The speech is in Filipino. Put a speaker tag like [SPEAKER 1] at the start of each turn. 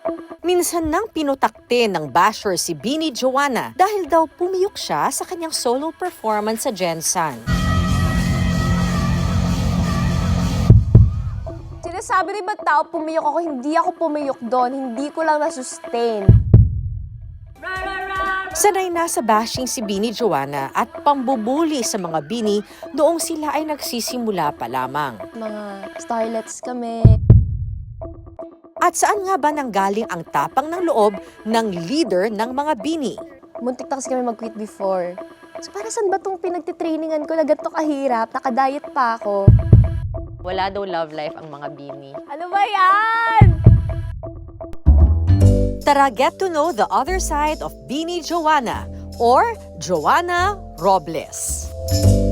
[SPEAKER 1] Minsan nang pinutakte ng basher si Bini Joanna dahil daw pumiyok siya sa kanyang solo performance sa Gensan.
[SPEAKER 2] Sinasabi rin ba tao pumiyok ako? Hindi ako pumiyok doon. Hindi ko lang na-sustain.
[SPEAKER 1] Sanay na sa bashing si Bini Joanna at pambubuli sa mga bini noong sila ay nagsisimula pa lamang.
[SPEAKER 2] Mga starlets kami.
[SPEAKER 1] At saan nga ba nanggaling ang tapang ng loob ng leader ng mga bini?
[SPEAKER 2] Muntik na kasi kami mag-quit before. So para saan ba itong pinagtitrainingan ko na ganito kahirap? Nakadiet pa ako.
[SPEAKER 3] Wala daw love life ang mga bini.
[SPEAKER 2] Ano ba yan?
[SPEAKER 1] Tara, get to know the other side of Bini Joanna or Joanna Robles.